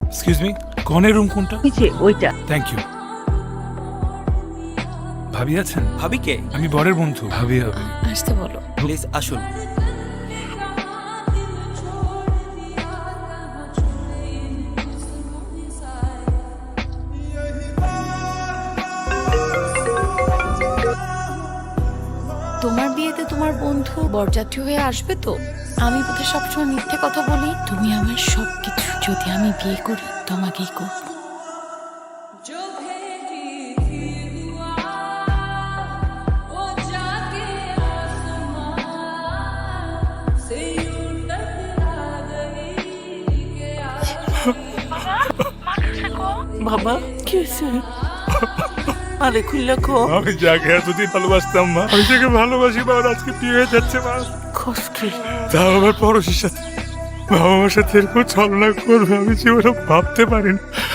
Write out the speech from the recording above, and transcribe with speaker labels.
Speaker 1: Excuse me, কনের room কোনটা?
Speaker 2: ওই যে ওইটা।
Speaker 1: Thank you. ভাবি আছেন?
Speaker 3: ভাবি কে?
Speaker 1: আমি বরের বন্ধু। ভাবি হবে।
Speaker 4: আসতে বলো।
Speaker 3: প্লিজ আসুন।
Speaker 4: তোমার বিয়েতে তোমার বন্ধু বরযাত্রী হয়ে আসবে তো? আমি বোধহয় সবসময় মিথ্যে কথা বলি। তুমি আমার সবকিছু। যদি আমি বিয়ে করি তোমাকেই করব।
Speaker 2: বাবা কি হয়েছে? আরে খুললে খো।
Speaker 1: আমি যাকে এতদিন ভালোবাসতাম মা, আমি যাকে ভালোবাসি মা, আজকে বিয়ে হয়ে যাচ্ছে মা।
Speaker 2: কষ্ট।
Speaker 1: তাও আমার পড়োশির সাথে। বাবা মার সাথে এরকম ছলনা করবে আমি জীবনে ভাবতে পারিনি।